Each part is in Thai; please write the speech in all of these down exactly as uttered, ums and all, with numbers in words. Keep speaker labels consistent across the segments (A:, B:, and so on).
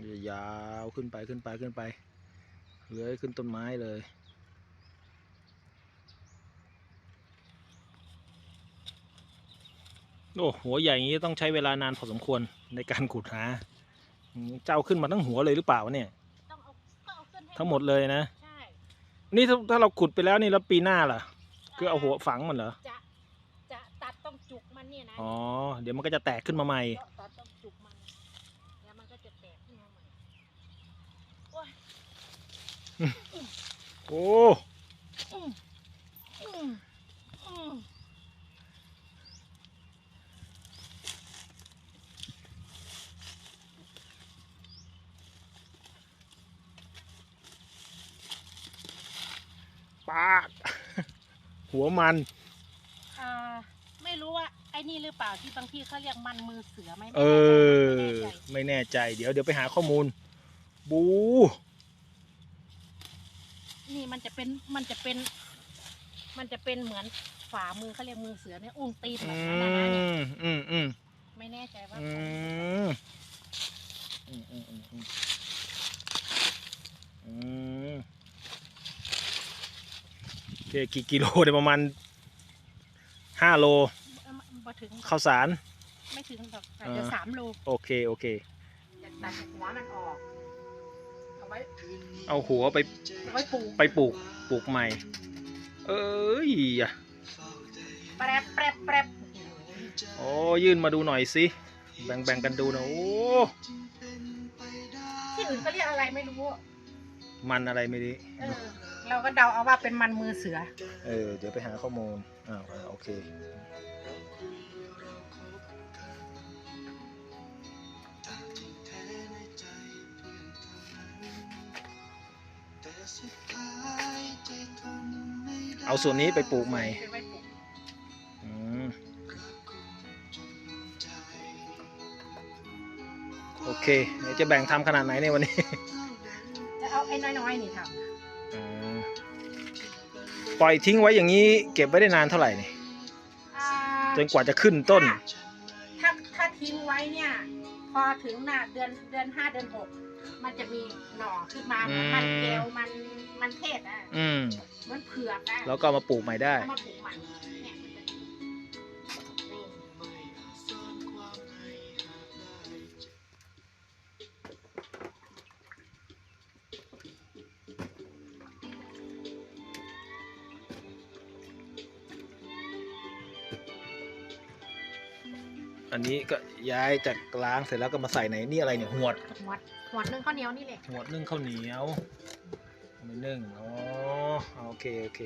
A: ยาวขึ้นไปขึ้นไปขึ้นไปเลื้อยขึ้นต้นไม้เลยโอ้หัวใหญ่อย่างนี้ต้องใช้เวลานานพอสมควรในการขุดหาเจ้าขึ้นมาทั้งหัวเลยหรือเปล่าเนี่ยทั้งหมดเลยนะใช่นี่ถ้าถ้าเราขุดไปแล้วนี่แล้วปีหน้าล่ะคือเอาหัวฝังมันเหรอ
B: จะจะตัดต้องจุกมันเนี่ยนะ
A: อ๋อเดี๋ยวมันก็จะแตกขึ้นมาใหม่
B: ตัดต้องจุกมันแล้วมันก็จะแตกขึ้นมาใหม่โอ้ย
A: โอ้ปากหัวมัน
B: อ่าไม่รู้ว่าไอ้นี่หรือเปล่าที่บางที่เขาเรียกมันมือเสือไหม
A: เออไม่แน่ใจเดี๋ยวเดี๋ยวไปหาข้อมูลบู
B: นี่มันจะเป็นมันจะเป็นมันจะเป็นเหมือนฝ่ามือเขาเรียกมือเสือเนี่ยอุ้งตีนแบบนั้นนะเนี่ย
A: อืมอืม
B: ไม่แน่ใจว่า
A: อืมอืมอืมอืมอืมอืมโอเคกี่กิโลเดี๋ยวประมาณห้าโลข้าวสาร
B: ไม่ถึงหรอกเดี๋ยวสามโล
A: โอเคโอเค
B: ตัดหัวมันออกเอาไว้
A: เอาหัวไป
B: ไว้ปลูก
A: ไปปลูกปลูกใหม่เอ้ยอะ
B: แปรบแปรบแปรบ
A: โอ้ยื่นมาดูหน่อยสิแบ่งแบ่งกันดูนะโอ้
B: ที่อื่นก็เรียกอะไรไม่รู้
A: มันอะไรไม่ดี
B: เออเราก็เดาเอาว่าเป็นมันมือเสือ
A: เออเดี๋ยวไปหาข้อมูลอ่าโอเคเอาส่วนนี้ไปปลูกใหม่โอเคเดี๋ยวจะแบ่งทำขนาดไหนในวันนี้
B: จะเอาไอ้น้อยๆนี่ท
A: ำปล่อยทิ้งไว้อย่างนี้เก็บไว้ได้นานเท่าไหร่นี่จนกว่าจะขึ้นต้น
B: ถ้าถ้าทิ้งไว้เนี่ยพอถึงหน้าเดือนเดือนห้าเดือนหกมันจะมีหน่อขึ้นมาเหมือนมันเกลมันมันเทศอ่ะมันเผือกอ่ะ
A: แล้วก็มาปลูกใหม่ได้
B: มาปลูกใหม่เนี่ย
A: อันนี้ก็ย้ายจากล้างเสร็จแล้วก็มาใส่ในนี่อะไรเนี่ยหวด
B: หวดหวดนึ่งข้าวเหนียวนี่แหละ
A: หวดนึ่งข้าวเหนียวไม่นึ่งอ๋อโอเคโอเค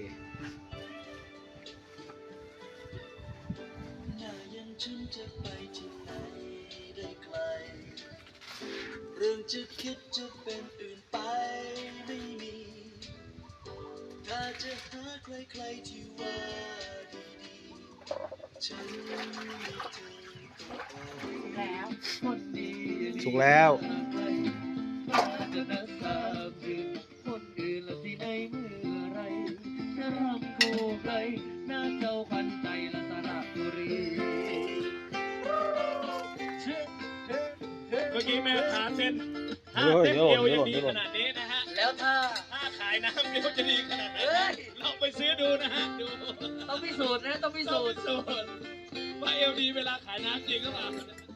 A: เรื่องจะคิดจะเป็นอื่นไปไม่มีถ้าจะหาใครๆที่ว่าดีๆฉันไม่เจอ
B: แล้ว
A: สุกแล้ว
C: คนอื่นละสิได้เมื่อไรจะรำโคไกลหน้าเจ้าพันใจละสระบุรี
D: เมื่อกี้แม่ขาเส้นห้าเส้นเดียวยังดีขนาดนี้นะฮะ
C: แล้วถ้า
D: ถ้าขายน้ำเดียวจะดีขนาดไหนลองไปซื้อดูนะฮะดู
C: ต้องพิสูจน์นะต้องพิสูจน์
D: ว่าเอลดีเวลาขายน้ำจริงหรือเปล่า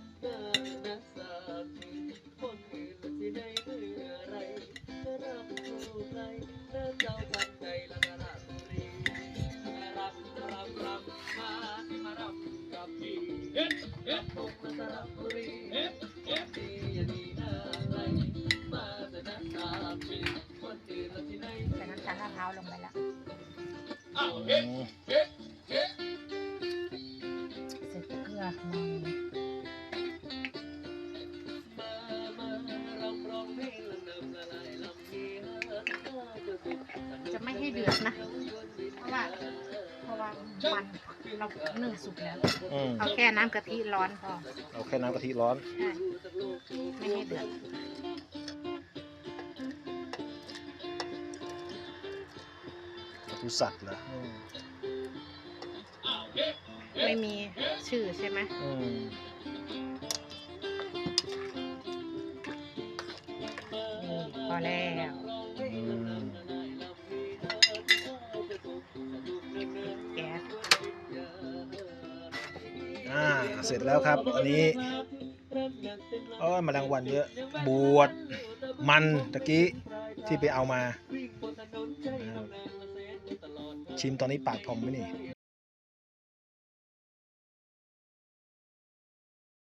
C: คนอื่นละสิได้เมื่อไรจะรำโคไกลหน้าเจ้าพันใจละสระบุรีรำรำรำมาที่มารำกับพี่
D: เฮ็ดเฮ็ด
C: ตกละสระบุรี
D: เฮ็ดเฮ็ด
C: ดีอย่าดีหน้าใครมาแต่น้ำตาปีคนอื่นละสิได้
B: ใส่น้ำตาลมะพร้าวลงไปแล้ว
D: อ้าวเฮ็ดเฮ็ดเฮ็ด
B: ใส่เกลือจะไม่ให้เดือดนะเพราะว่าเพราะว่ามันเรานึ่งสุกแล้วเอาแค่น้ำกะทิร้อนพอ
A: เอาแค่น้ำกะทิร้อน
B: ใช่ไม่ให้เดือด
A: ดูสัตว์เหรอ
B: ไม่มีชื่อใช่ไหมพอแล้ว
A: อืม
B: แก๊ส
A: อ่าเสร็จแล้วครับ อันนี้โอ้ยแมลงวันเยอะ บวชมันตะกี้ที่ไปเอามา ชิมตอนนี้ปากพองไหมนี่